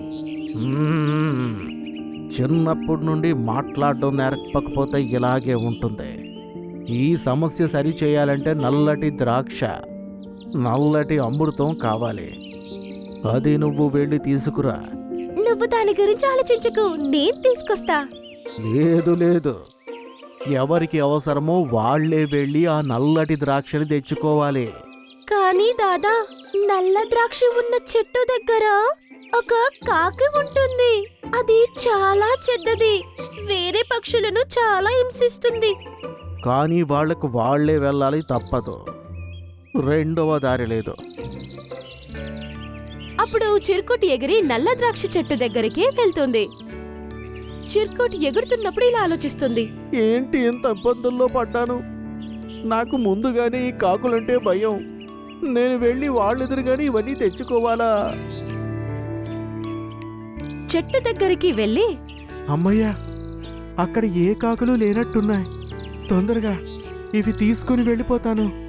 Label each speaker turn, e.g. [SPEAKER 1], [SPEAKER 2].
[SPEAKER 1] మ్మ్. చిన్నప్పటి నుండి మాట్లాడడం నేర్పకపోతే ఇలాగే ఉంటుంది. ఈ సమస్య సరి చేయాలంటే నల్లటి ద్రాక్ష, నల్లటి అమృతం కావాలి. అది నువ్వు వెళ్ళి తీసుకురా.
[SPEAKER 2] నువ్వు దాని గురించి ఆలోచించకు, నేను తీసుకొస్తా.
[SPEAKER 1] లేదు లేదు, ఎవరికి అవసరమో వాళ్లే వెళ్ళి ఆ నల్లటి ద్రాక్షని తెచ్చుకోవాలి.
[SPEAKER 2] కానీ దాదా, నల్ల ద్రాక్ష ఉన్న చెట్టు దగ్గర ఒక కాకి ఉంటుంది. అది చాలా చెడ్డది, వేరే పక్షులను చాలా హింసిస్తుంది.
[SPEAKER 1] కానీ వాళ్లకు వాళ్లే వెళ్ళాలి, తప్పదు. రెండవ దారి లేదు.
[SPEAKER 2] అప్పుడు చిరుకుటి ఎగిరి నల్ల ద్రాక్ష చెట్టు దగ్గరికి వెళ్తుంది. చిరుకుటి ఎగురుతున్నప్పుడు ఇలా ఆలోచిస్తుంది.
[SPEAKER 1] ఏంటి ఇంత ఇబ్బందుల్లో పడ్డాను? నాకు ముందుగానే ఈ కాకులంటే భయం. నేను వెళ్ళి వాళ్ళెదురుగానే ఇవన్నీ తెచ్చుకోవాలా?
[SPEAKER 2] చెట్టు దగ్గరికి వెళ్ళి,
[SPEAKER 1] అమ్మయ్యా, అక్కడ ఏ కాకులు లేనట్టున్నాయి. తొందరగా ఇవి తీసుకుని వెళ్ళిపోతాను.